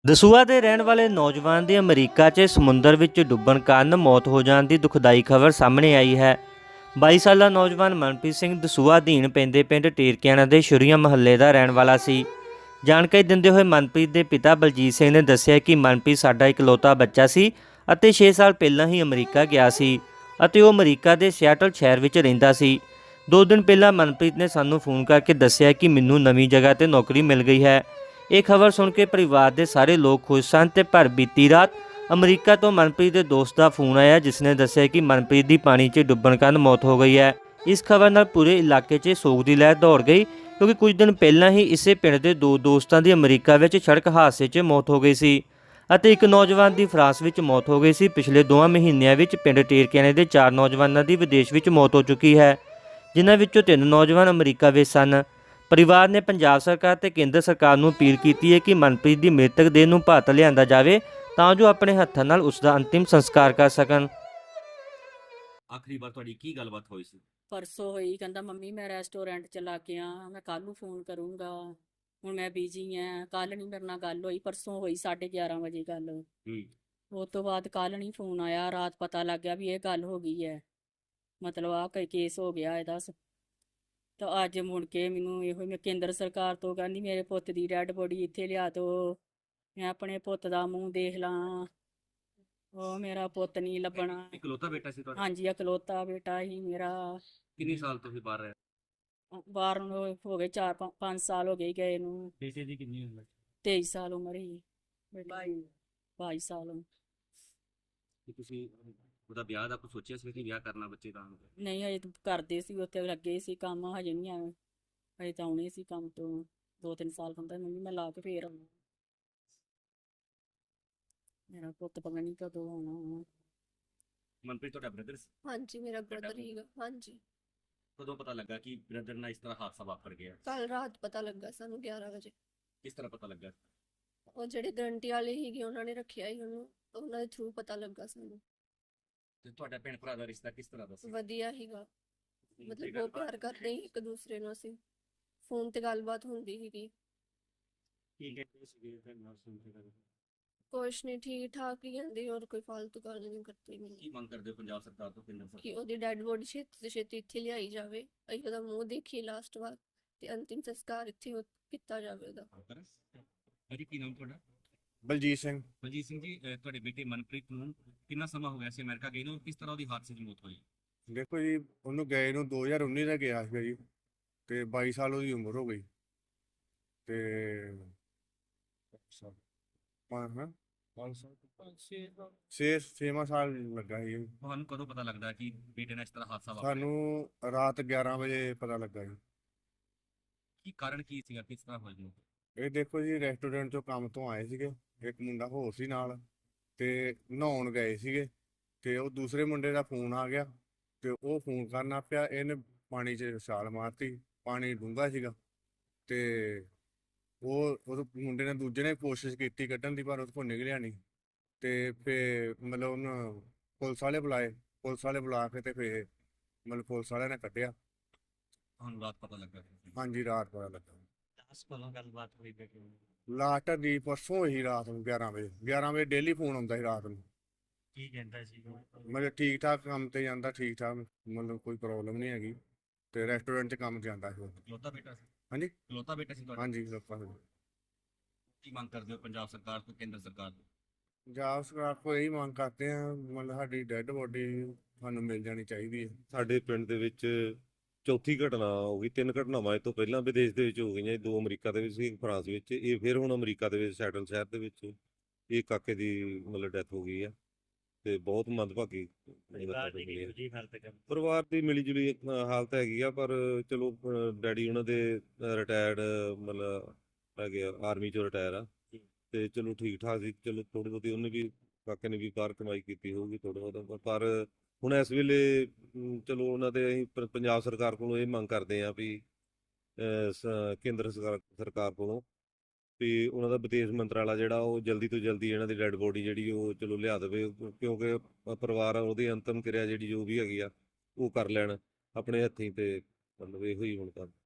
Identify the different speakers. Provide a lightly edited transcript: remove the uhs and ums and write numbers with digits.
Speaker 1: ਦਸੂਹਾ ਦੇ ਰਹਿਣ ਵਾਲੇ ਨੌਜਵਾਨ ਦੀ ਅਮਰੀਕਾ 'ਚ ਸਮੁੰਦਰ ਵਿੱਚ ਡੁੱਬਣ ਕਾਰਨ ਮੌਤ ਹੋ ਜਾਣ ਦੀ ਦੁਖਦਾਈ ਖਬਰ ਸਾਹਮਣੇ ਆਈ ਹੈ। 22 ਸਾਲਾ ਨੌਜਵਾਨ ਮਨਪ੍ਰੀਤ ਸਿੰਘ ਦਸੂਹਾ ਅਧੀਨ ਪੈਂਦੇ ਪਿੰਡ ਟੇਰਕਿਆਣਾ ਦੇ ਸ਼ੁਰੀਆ ਮਹੱਲੇ ਦਾ ਰਹਿਣ ਵਾਲਾ ਸੀ। ਜਾਣਕਾਰੀ ਦਿੰਦੇ ਹੋਏ ਮਨਪ੍ਰੀਤ ਦੇ ਪਿਤਾ ਬਲਜੀਤ ਸਿੰਘ ਨੇ ਦੱਸਿਆ ਕਿ ਮਨਪ੍ਰੀਤ ਸਾਡਾ ਇਕਲੌਤਾ ਬੱਚਾ ਸੀ ਅਤੇ 6 ਸਾਲ ਪਹਿਲਾਂ ਹੀ ਅਮਰੀਕਾ ਗਿਆ ਸੀ ਅਤੇ ਉਹ ਅਮਰੀਕਾ ਦੇ ਸਿਆਟਲ ਸ਼ਹਿਰ ਵਿੱਚ ਰਹਿੰਦਾ ਸੀ। 2 ਦਿਨ ਪਹਿਲਾਂ ਮਨਪ੍ਰੀਤ ਨੇ ਸਾਨੂੰ ਫੋਨ ਕਰਕੇ ਦੱਸਿਆ ਕਿ ਮੈਨੂੰ ਨਵੀਂ ਜਗ੍ਹਾ ਤੇ ਨੌਕਰੀ ਮਿਲ ਗਈ ਹੈ। ਇਹ ਖਬਰ ਸੁਣ ਕੇ ਪਰਿਵਾਰ ਦੇ ਸਾਰੇ ਲੋਕ ਖੁਸ਼ ਸਨ ਤੇ ਪਰ ਬੀਤੀ ਰਾਤ ਅਮਰੀਕਾ ਤੋਂ ਮਨਪ੍ਰੀਤ ਦੇ ਦੋਸਤ ਦਾ ਫੋਨ ਆਇਆ, ਜਿਸ ਨੇ ਦੱਸਿਆ ਕਿ ਮਨਪ੍ਰੀਤ ਦੀ ਪਾਣੀ 'ਚ ਡੁੱਬਣ ਕਾਰਨ ਮੌਤ ਹੋ ਗਈ ਹੈ। ਇਸ ਖਬਰ ਨਾਲ ਪੂਰੇ ਇਲਾਕੇ 'ਚ ਸੋਗ ਦੀ ਲਹਿਰ ਦੌੜ ਗਈ, ਕਿਉਂਕਿ ਕੁਝ ਦਿਨ ਪਹਿਲਾਂ ਹੀ ਇਸੇ ਪਿੰਡ ਦੇ 2 ਦੋਸਤਾਂ ਦੀ ਅਮਰੀਕਾ ਵਿੱਚ ਸੜਕ ਹਾਦਸੇ 'ਚ ਮੌਤ ਹੋ ਗਈ ਸੀ ਅਤੇ ਇੱਕ ਨੌਜਵਾਨ ਦੀ ਫਰਾਂਸ ਵਿੱਚ ਮੌਤ ਹੋ ਗਈ ਸੀ। ਪਿਛਲੇ 2 ਮਹੀਨਿਆਂ ਵਿੱਚ ਪਿੰਡ ਟੇਰਕਿਆਣੇ ਦੇ 4 ਨੌਜਵਾਨਾਂ ਦੀ ਵਿਦੇਸ਼ ਵਿੱਚ ਮੌਤ ਹੋ ਚੁੱਕੀ ਹੈ, ਜਿਨ੍ਹਾਂ ਵਿੱਚੋਂ 3 ਨੌਜਵਾਨ ਅਮਰੀਕਾ ਵਿੱਚ ਸਨ। ਪਰਿਵਾਰ ਨੇ ਪੰਜਾਬ ਸਰਕਾਰ ਤੇ ਕੇਂਦਰ ਸਰਕਾਰ ਨੂੰ ਅਪੀਲ ਕੀਤੀ ਹੈ ਕਿ ਮਨਪ੍ਰੀਤ ਦੀ ਮ੍ਰਿਤਕ ਦੇਹ ਨੂੰ ਭਾਰਤ ਲਿਆਂਦਾ ਜਾਵੇ ਤਾਂ ਜੋ ਆਪਣੇ ਹੱਥਾਂ ਨਾਲ ਉਸ ਦਾ ਅੰਤਿਮ ਸੰਸਕਾਰ ਕਰ ਸਕਣ।
Speaker 2: ਆਖਰੀ ਵਾਰ ਤੁਹਾਡੀ ਕੀ ਗੱਲਬਾਤ ਹੋਈ ਸੀ?
Speaker 3: ਪਰਸੋਂ ਹੋਈ, ਕਹਿੰਦਾ ਮੰਮੀ ਮੈਂ ਰੈਸਟੋਰੈਂਟ ਚਲਾ ਕੇ ਆ, ਮੈਂ ਕੱਲ ਨੂੰ ਫੋਨ ਕਰੂੰਗਾ, ਹੁਣ ਮੈਂ ਬਿਜੀ ਆ। ਕੱਲ ਨਹੀਂ ਮੇਰੇ ਨਾਲ ਗੱਲ ਹੋਈ, ਪਰਸੋਂ ਹੋਈ 11:30 ਵਜੇ ਗੱਲ। ਉਸ ਤੋਂ ਬਾਅਦ ਕੱਲ ਨਹੀਂ ਫੋਨ ਆਇਆ। ਰਾਤ ਪਤਾ ਲੱਗ ਗਿਆ ਵੀ ਇਹ ਗੱਲ ਹੋ ਗਈ ਹੈ, ਮਤਲਬ ਆ ਕੋਈ ਕੇਸ ਹੋ ਗਿਆ ਇਹਦਾ। ਤਾਂ ਅੱਜ ਮੁੜ ਕੇ ਮੈਨੂੰ ਇਹੋ ਮੈਂ ਕੇਂਦਰ ਸਰਕਾਰ ਤੋਂ ਕਹਿੰਦੀ ਮੇਰੇ ਪੁੱਤ ਦੀ ਡੈਡ ਬੋਡੀ ਇੱਥੇ ਲਿਆ ਦਿਓ, ਮੈਂ ਆਪਣੇ ਪੁੱਤ ਦਾ ਮੂੰਹ ਦੇਖ ਲਾਂ। ਉਹ ਮੇਰਾ ਪੁੱਤ ਨਹੀਂ ਲੱਭਣਾ।
Speaker 2: ਇਕਲੌਤਾ ਬੇਟਾ ਸੀ ਤੁਹਾਡਾ?
Speaker 3: ਹਾਂਜੀ, ਇਕਲੌਤਾ ਬੇਟਾ ਹੀ ਮੇਰਾ।
Speaker 2: ਕਿੰਨੇ ਸਾਲ ਤੋਂ ਬਾਹਰ ਰਿਹਾ?
Speaker 3: ਬਾਹਰ ਨੂੰ ਹੋ ਗਏ 4-5 ਸਾਲ ਹੋ ਗਏ ਗਏ ਨੂੰ।
Speaker 2: ਬੇਟੇ ਦੀ ਕਿੰਨੀ ਉਮਰ?
Speaker 3: 23 ਸਾਲ ਉਮਰ ਹੀ। 22 ਸਾਲ।
Speaker 2: ਕਿ ਤੁਸੀਂ ਉਹਦਾ ਵਿਆਹ ਦਾ ਕੁਝ ਸੋਚਿਆ ਸੀ ਕਿ ਵਿਆਹ ਕਰਨਾ ਬੱਚੇ ਦਾ?
Speaker 3: ਨਹੀਂ, ਹਜੇ ਤਾਂ ਕਰਦੇ ਸੀ, ਉੱਥੇ ਲੱਗੇ ਸੀ ਕੰਮ, ਹਜੇ ਨਹੀਂ ਆਏ। ਹਜੇ ਤਾਂ ਆਉਣੇ ਸੀ ਕੰਮ ਤੋਂ 2-3 ਸਾਲ ਹੁੰਦਾ। ਮੰਮੀ ਮੈਂ ਲਾ ਕੇ ਫੇਰ ਆਉਣਾ, ਮੇਰਾ ਪੁੱਤ ਪਤਾ ਨਹੀਂ ਕਦੋਂ ਆਉਣਾ।
Speaker 2: ਮਨਪ੍ਰੀਤ ਤੁਹਾਡਾ ਬ੍ਰਦਰ ਸੀ?
Speaker 4: ਹਾਂਜੀ, ਮੇਰਾ ਬ੍ਰਦਰ ਹੀਗਾ। ਹਾਂਜੀ,
Speaker 2: ਕਦੋਂ ਪਤਾ ਲੱਗਾ ਕਿ ਬ੍ਰਦਰ ਨਾਲ ਇਸ ਤਰ੍ਹਾਂ ਹਾਦਸਾ ਵਾਪਰ ਗਿਆ?
Speaker 4: ਕੱਲ ਰਾਤ ਪਤਾ ਲੱਗਾ ਸਾਨੂੰ 11 ਵਜੇ।
Speaker 2: ਕਿਸ ਤਰ੍ਹਾਂ ਪਤਾ ਲੱਗਾ?
Speaker 4: ਉਹ ਜਿਹੜੇ ਗਰੰਟੀ ਵਾਲੇ ਸੀਗੇ ਉਹਨਾਂ ਨੇ ਰੱਖਿਆ ਹੀ ਉਹਨੂੰ, ਉਹਨਾਂ ਦੇ ਥਰੂ ਪਤਾ ਲੱਗਾ ਸਾਨੂੰ।
Speaker 2: ਤੇ ਤੁਹਾਡਾ ਭੈਣ ਭਰਾ ਦਾ ਰਿਸ਼ਤਾ ਕਿਸ ਤਰ੍ਹਾਂ ਦਾ ਸੀ?
Speaker 4: ਵਧੀਆ ਹੀਗਾ, ਮਤਲਬ ਬਹੁਤ ਪਿਆਰ ਕਰਦੇ ਸੀ ਇੱਕ ਦੂਸਰੇ ਨੂੰ। ਅਸੀਂ ਫੋਨ ਤੇ ਗੱਲਬਾਤ ਹੁੰਦੀ ਸੀਗੀ।
Speaker 2: ਕੀ ਕਹਿੰਦੇ ਸੀਗੇ ਫਿਰ ਨਾਲ ਸੁਣ ਕੇ?
Speaker 4: ਕੁਛ ਨਹੀਂ, ਠੀਕ ਠਾਕ ਹੀ ਕਹਿੰਦੇ, ਔਰ ਕੋਈ ਫालतू ਗੱਲ ਨਹੀਂ ਕਰਦੇ।
Speaker 2: ਕੀ
Speaker 4: ਮੈਨੂੰ
Speaker 2: ਮੰਗ ਕਰਦੇ ਹੋ ਪੰਜਾਬ ਸਰਕਾਰ ਤੋਂ, ਕੇਂਦਰ
Speaker 4: ਕਿ
Speaker 2: ਸਰਕਾਰ?
Speaker 4: ਉਹਦੀ ਡੈਡ ਬੋਡੀ ਛੇਤੀ ਤੋਂ ਛੇਤੀ ਇੱਥੇ ਲਿਆਈ ਜਾਵੇ, ਅਸੀਂ ਉਹਦਾ ਮੂੰਹ ਦੇਖੀਏ ਲਾਸਟ ਵਾਰ, ਤੇ ਅੰਤਿਮ ਸੰਸਕਾਰ ਇੱਥੇ ਕੀਤਾ ਜਾਵੇ ਉਹਦਾ।
Speaker 2: ਅਜੀ ਕੀ ਨਾਮ ਤੁਹਾਡਾ?
Speaker 5: ਬਲਜੀਤ ਸਿੰਘ।
Speaker 2: ਬਲਜੀਤ ਸਿੰਘ ਜੀ, ਤੁਹਾਡੇ ਬੇਟੇ ਮਨਪ੍ਰੀਤ ਨੂੰ ਕਿੰਨਾ ਸਮਾਂ ਹੋ ਗਿਆ ਸੀ ਅਮਰੀਕਾ ਗਏ ਨੂੰ, ਕਿਸ ਤਰ੍ਹਾਂ ਉਹਦੀ ਹਾਦਸੇ 'ਚ ਮੌਤ ਹੋਈ?
Speaker 5: ਦੇਖੋ ਜੀ, ਉਹਨੂੰ ਗਏ ਨੂੰ 2019 ਦਾ ਗਿਆ ਸੀਗਾ ਜੀ, ਤੇ 22 ਸਾਲ ਉਹਦੀ ਉਮਰ ਹੋ ਗਈ। ਤੇ 6 ਸਾਲ ਲੱਗਾ ਸੀ।
Speaker 2: ਤੁਹਾਨੂੰ ਕਦੋਂ ਪਤਾ ਲੱਗਦਾ ਕਿ ਬੇਟੇ ਨਾਲ ਇਸ ਤਰ੍ਹਾਂ ਹਾਦਸਾ ਵਾਪਰਿਆ?
Speaker 5: ਸਾਨੂੰ ਰਾਤ 11 ਵਜੇ ਪਤਾ ਲੱਗਾ ਜੀ।
Speaker 2: ਕੀ ਕਾਰਨ ਕੀ ਸੀਗਾ, ਕਿਸ ਤਰ੍ਹਾਂ ਹੋਇਆ ਜੀ?
Speaker 5: ਇਹ ਦੇਖੋ ਜੀ, ਰੈਸਟੋਰੈਂਟ ਚੋਂ ਕੰਮ ਤੋਂ ਆਏ ਸੀਗੇ, ਇੱਕ ਮੁੰਡਾ ਹੋਰ ਸੀ ਨਾਲ, ਤੇ ਨਹਾਉਣ ਗਏ ਸੀਗੇ, ਤੇ ਉਹ ਦੂਸਰੇ ਮੁੰਡੇ ਦਾ ਫੋਨ ਆ ਗਿਆ, ਤੇ ਉਹ ਫੋਨ ਕਰਨਾ ਪਿਆ, ਇਹਨੇ ਪਾਣੀ 'ਚ ਛਾਲ ਮਾਰਤੀ। ਪਾਣੀ ਡੂੰਘਾ ਸੀਗਾ, ਤੇ ਉਹ ਮੁੰਡੇ ਨੇ, ਦੂਜੇ ਨੇ ਕੋਸ਼ਿਸ਼ ਕੀਤੀ ਕੱਢਣ ਦੀ, ਪਰ ਉਹਦੇ ਕੋਲ ਨਿਕਲਿਆ ਨਹੀਂ। ਤੇ ਫਿਰ ਮਤਲਬ ਉਹਨੂੰ ਪੁਲਿਸ ਵਾਲੇ ਬੁਲਾਏ, ਪੁਲਿਸ ਵਾਲੇ ਬੁਲਾ ਕੇ ਤੇ ਫਿਰ ਮਤਲਬ ਪੁਲਿਸ ਵਾਲਿਆਂ ਨੇ ਕੱਢਿਆ।
Speaker 2: ਤੁਹਾਨੂੰ ਰਾਤ ਪਤਾ ਲੱਗਾ?
Speaker 5: ਹਾਂਜੀ, ਰਾਤ ਪਤਾ ਲੱਗਾ।
Speaker 2: ਕੋਲੋਂ ਗੱਲਬਾਤ ਹੋਈ ਬੇਟੇ ਨੂੰ?
Speaker 5: ਲਾਸਟ ਦੀ ਪਰਸੋਂ ਹੋਈ ਰਾਤ ਨੂੰ 11 ਵਜੇ ਡੇਲੀ ਫੋਨ ਆਉਂਦਾ ਸੀ ਰਾਤ ਨੂੰ।
Speaker 2: ਕੀ ਕਹਿੰਦਾ ਸੀ?
Speaker 5: ਮਤਲਬ ਠੀਕ ਠਾਕ ਕੰਮ ਤੇ ਜਾਂਦਾ, ਠੀਕ ਠਾਕ, ਮਤਲਬ ਕੋਈ ਪ੍ਰੋਬਲਮ ਨਹੀਂ ਹੈਗੀ, ਤੇ ਰੈਸਟੋਰੈਂਟ 'ਚ ਕੰਮ ਜਾਂਦਾ ਸੀ ਉਹ।
Speaker 2: ਇਕਲੌਤਾ ਬੇਟਾ ਸੀ?
Speaker 5: ਹਾਂਜੀ,
Speaker 2: ਇਕਲੌਤਾ ਬੇਟਾ ਸੀ ਤੁਹਾਡਾ?
Speaker 5: ਹਾਂਜੀ, ਲੋਕਾਂ ਦੇ।
Speaker 2: ਕੀ ਮੰਗ ਕਰਦੇ ਹੋ ਪੰਜਾਬ ਸਰਕਾਰ ਤੋਂ, ਕੇਂਦਰ ਸਰਕਾਰ ਤੋਂ?
Speaker 5: ਪੰਜਾਬ ਸਰਕਾਰ ਕੋਲ ਇਹੀ ਮੰਗ ਕਰਦੇ ਆ, ਮਤਲਬ ਸਾਡੀ ਡੈੱਡ ਬੋਡੀ ਸਾਨੂੰ ਮਿਲ ਜਾਣੀ ਚਾਹੀਦੀ ਹੈ।
Speaker 6: ਸਾਡੇ ਪਿੰਡ ਦੇ ਵਿੱਚ ਚੌਥੀ ਘਟਨਾ ਹੋ ਗਈ। 3 ਘਟਨਾਵਾਂ ਇਹ ਤੋਂ ਪਹਿਲਾਂ ਵਿਦੇਸ਼ ਦੇ ਵਿੱਚ ਹੋ ਗਈਆਂ, 2 ਅਮਰੀਕਾ ਦੇ ਵਿੱਚ ਸੀ, ਇੱਕ ਫਰਾਂਸ ਵਿੱਚ। ਇਹ ਫਿਰ ਹੁਣ ਅਮਰੀਕਾ ਦੇ ਵਿੱਚ ਸੈਟਲ ਸ਼ਹਿਰ ਦੇ ਵਿੱਚ ਇਹ ਕਾਕੇ ਦੀ ਮਤਲਬ ਡੈਥ ਹੋ ਗਈ ਆ, ਤੇ ਬਹੁਤ ਮੰਦਭਾਗੀ ਪਰਿਵਾਰ ਦੀ ਮਿਲੀ ਜੁਲੀ ਹਾਲਤ ਹੈਗੀ ਆ। ਪਰ ਚਲੋ ਡੈਡੀ ਉਹਨਾਂ ਦੇ ਰਿਟਾਇਰਡ ਮਤਲਬ ਹੈਗੇ ਆ, ਆਰਮੀ ਚੋਂ ਰਿਟਾਇਰ ਆ, ਤੇ ਚਲੋ ਠੀਕ ਠਾਕ ਸੀ। ਚਲੋ ਥੋੜੀ ਬਹੁਤੀ ਉਹਨੇ ਵੀ, ਕਾਕੇ ਨੇ ਵੀ ਬਾਹਰ ਕਮਾਈ ਕੀਤੀ ਹੋਊਗੀ ਥੋੜਾ ਬਹੁਤਾ, ਪਰ ਹੁਣ ਇਸ ਵੇਲੇ ਚਲੋ ਉਹਨਾਂ ਦੇ ਅਸੀਂ ਪੰਜਾਬ ਸਰਕਾਰ ਕੋਲੋਂ ਇਹ ਮੰਗ ਕਰਦੇ ਹਾਂ ਵੀ ਕੇਂਦਰ ਸਰਕਾਰ ਕੋਲੋਂ ਵੀ ਉਹਨਾਂ ਦਾ ਵਿਦੇਸ਼ ਮੰਤਰਾਲਾ ਜਿਹੜਾ ਉਹ ਜਲਦੀ ਤੋਂ ਜਲਦੀ ਇਹਨਾਂ ਦੀ ਡੈਡ ਬੋਡੀ ਜਿਹੜੀ ਉਹ ਚਲੋ ਲਿਆ ਦੇਵੇ, ਕਿਉਂਕਿ ਪਰਿਵਾਰ ਉਹਦੀ ਅੰਤਮ ਕਿਰਿਆ ਜਿਹੜੀ ਜੋ ਵੀ ਹੈਗੀ ਆ ਉਹ ਕਰ ਲੈਣ ਆਪਣੇ ਹੱਥੀਂ, ਤੇ ਮਤਲਬ ਇਹੋ ਹੀ ਹੁਣ ਤਾਂ